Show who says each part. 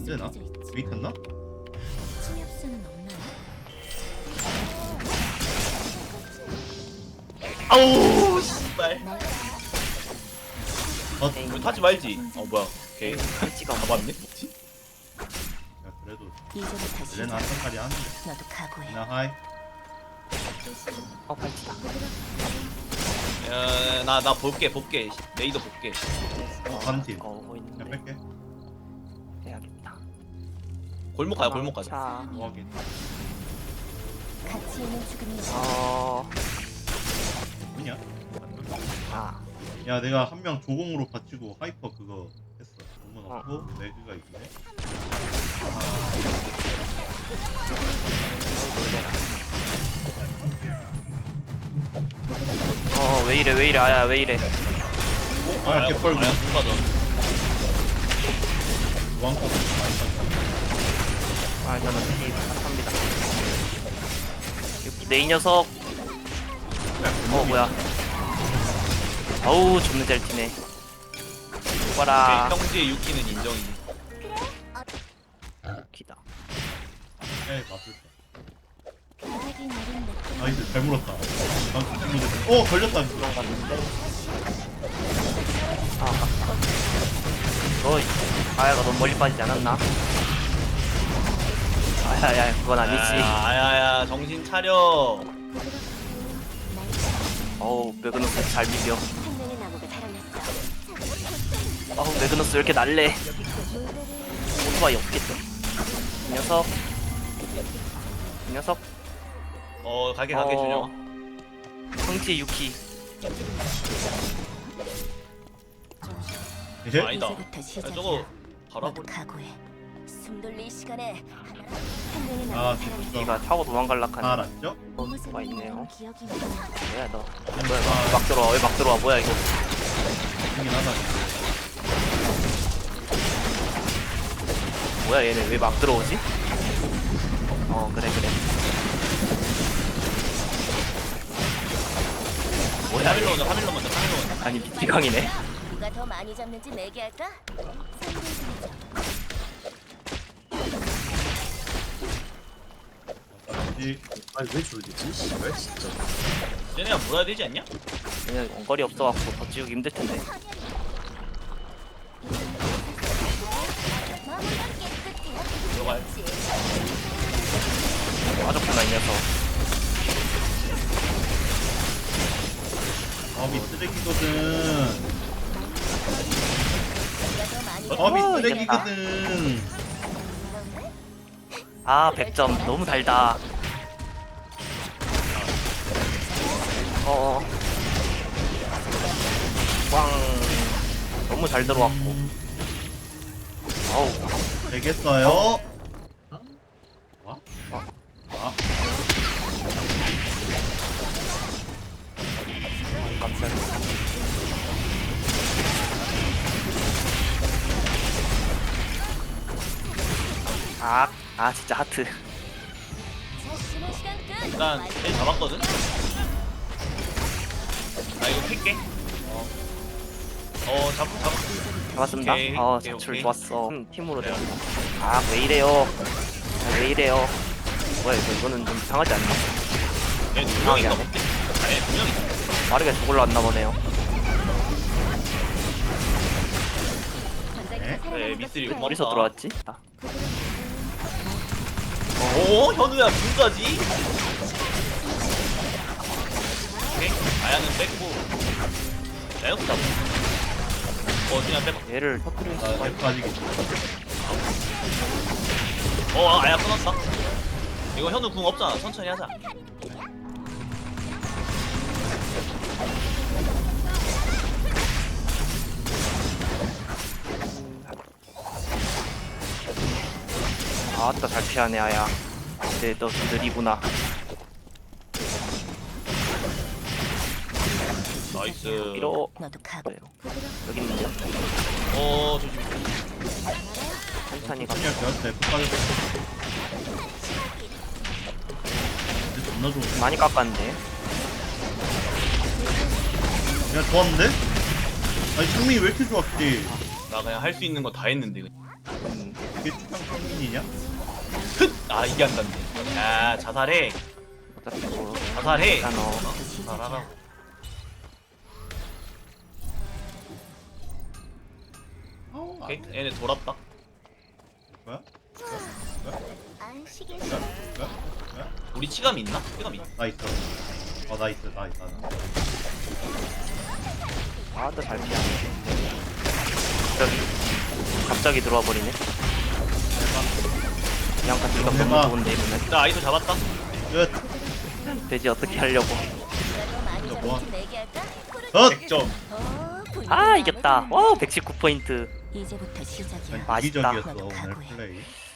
Speaker 1: 되나? 웨이트했나?
Speaker 2: 침엽수는 없나요?
Speaker 3: 아우 씨발.
Speaker 1: 어?
Speaker 3: 타지 말지. 뭐야? 오케이.
Speaker 4: 팔찌가
Speaker 3: 잡았네. 뭐지?
Speaker 1: 야 그래도
Speaker 2: 이제부터 시작.
Speaker 1: 레나 한 살이 하는데.
Speaker 2: 너도 각오해.
Speaker 1: 레나 하이.
Speaker 4: 팔찌다.
Speaker 3: 나 볼게. 레이더 볼게.
Speaker 1: 반팀.
Speaker 4: 오고
Speaker 1: 그냥
Speaker 4: 있는데
Speaker 1: 뺄게.
Speaker 4: 해야겠다.
Speaker 3: 골목 가자.
Speaker 4: 자,
Speaker 1: 뭐하긴.
Speaker 2: 같이 있는 죽음이
Speaker 1: 뭐냐?
Speaker 4: 아,
Speaker 1: 야 내가 한 명 조공으로 받치고 하이퍼 그거 했어. 너무
Speaker 4: 어.
Speaker 1: 넣고 매그가 있네.
Speaker 4: 왜 이래, 아야, 왜 이래.
Speaker 1: 아 개뻘고.
Speaker 3: 아야 누가든.
Speaker 1: 왕컵 많이 샀다.
Speaker 4: 아, 저는 피 탑니다. 여기 내 이 녀석. 뭐야. 어우, 존나 잘 튀네. 봐라.
Speaker 3: 형제의 유키는 인정이.
Speaker 4: 기다.
Speaker 1: 에 맞을 거.
Speaker 2: 바닥이 내린 느낌.
Speaker 1: 나이스 잘 물었다. 방금 잘못했어. 걸렸다.
Speaker 4: 도망갔는데. 너, 아야가 너무 멀리 빠지지 않았나? 아야야, 그건 아니지.
Speaker 3: 아야야 정신 차려.
Speaker 4: 어우, 매그너스 잘 비벼.
Speaker 2: 한 명의 나무가 달아났어.
Speaker 4: 어우, 매그너스 왜 이렇게 날래? 오토바이 없겠죠? 이 녀석. 이 녀석.
Speaker 3: 갈게 준영아.
Speaker 4: 성지의 유키.
Speaker 1: 이제
Speaker 3: 아니다.
Speaker 2: 이제부터 시작이야.
Speaker 3: 저거 바로
Speaker 2: 너도
Speaker 3: 한번.
Speaker 2: 각오해. 숨 돌릴 시간에 한 명의
Speaker 1: 아
Speaker 2: 나무가
Speaker 1: 진짜
Speaker 2: 달아났어.
Speaker 4: 얘가 타고
Speaker 1: 다
Speaker 4: 도망갈락하네.
Speaker 1: 알았죠?
Speaker 4: 와 있네요.
Speaker 2: 기억이 나.
Speaker 4: 뭐야 너? 뭐야 막 들어와? 왜 막 들어와? 뭐야 이거?
Speaker 1: 힘이 나다.
Speaker 4: 뭐야 얘네 왜 막 들어오지? 그래. 뭐야
Speaker 3: 카밀로
Speaker 4: 얘?
Speaker 3: 먼저.
Speaker 4: 아니 미치광이네.
Speaker 2: 누가 더 많이 잡는지 내기할까?
Speaker 1: 이
Speaker 5: 아니 왜 졸리지? 씨발 진짜.
Speaker 3: 쟤네가 물어야 되지 않냐?
Speaker 4: 얘네 원거리 없어갖고 더 지우기 힘들 텐데.
Speaker 3: 들어가요.
Speaker 4: 빠졌구나 이 녀석.
Speaker 1: 업이 쓰레기거든.
Speaker 2: 더
Speaker 1: 업이
Speaker 4: 어,
Speaker 1: 쓰레기거든.
Speaker 4: 아 100점 너무 달다. 꽝. 너무 잘 들어왔고. 어우.
Speaker 1: 되겠어요? 와?
Speaker 4: 깜짝이야. 진짜 하트.
Speaker 3: 일단 쟤 잡았거든. 나 이거 팰게. 잡았어.
Speaker 4: 잡았습니다.
Speaker 3: 오케이,
Speaker 4: 자출
Speaker 3: 오케이.
Speaker 4: 좋았어. 팀으로
Speaker 3: 그래요.
Speaker 4: 됩니다. 왜 이래요? 왜 이래요? 뭐야 이거는 좀 이상하지 않나?
Speaker 3: 얘두 명인가 볼게. 아니 두 명이다.
Speaker 4: 빠르게 저걸로 왔나 보네요.
Speaker 3: 그래 미스리
Speaker 4: 어디서 들어왔지?
Speaker 3: 오 현우야 눈까지. 오케이 아야는 뺐고. 야역도 잡고. 그냥 빼봐.
Speaker 4: 얘를 터뜨릴 수가
Speaker 1: 나 F까지겠지.
Speaker 3: 아야 끊었다. 이거 현우 궁 없잖아. 천천히 하자.
Speaker 4: 아따 잘 피하네 아야. 근데 너 느리구나.
Speaker 3: 나이스.
Speaker 4: 이러.
Speaker 2: 너도 각오.
Speaker 4: 그래요. 여기 있는데요.
Speaker 3: 조심.
Speaker 4: 천천히 가.
Speaker 1: 천천히 할게요. 네, F까지. 근데 존나 좋은데?
Speaker 4: 많이 깎았는데.
Speaker 1: 야 좋았는데? 아니 승민이 왜 이렇게 좋았지?
Speaker 3: 나 그냥 할 수 있는 거 다 했는데. 그냥.
Speaker 1: 이게 추상 평균이냐?
Speaker 3: 아 이게 안 닿네. 야 자살해.
Speaker 4: 어차피 뭐
Speaker 3: 자살해.
Speaker 4: 일단
Speaker 3: 자살하라. 오케이 얘네 돌았다.
Speaker 1: 뭐야?
Speaker 2: 안식일
Speaker 1: 뭐야?
Speaker 3: 우리 치감이 있나? 치감이 있나?
Speaker 1: 나 있어. 나 있어. 나.
Speaker 4: 아또 잘 피하네. 갑자기 들어와 버리네. 그냥 같은 거
Speaker 1: 해봐.
Speaker 4: 너무 좋은데 이번엔.
Speaker 3: 나 아이소 잡았다.
Speaker 1: 끝.
Speaker 4: 돼지 어떻게 하려고?
Speaker 2: 이라도 많이
Speaker 1: 이거 뭐야?
Speaker 2: 잡은 팀 내기할까?
Speaker 1: 덧.
Speaker 3: 100점.
Speaker 4: 아 이겼다. 와 119포인트.
Speaker 2: 이제부터 시작이야.
Speaker 4: 맛있다.
Speaker 1: 이기적이었어 오늘 플레이.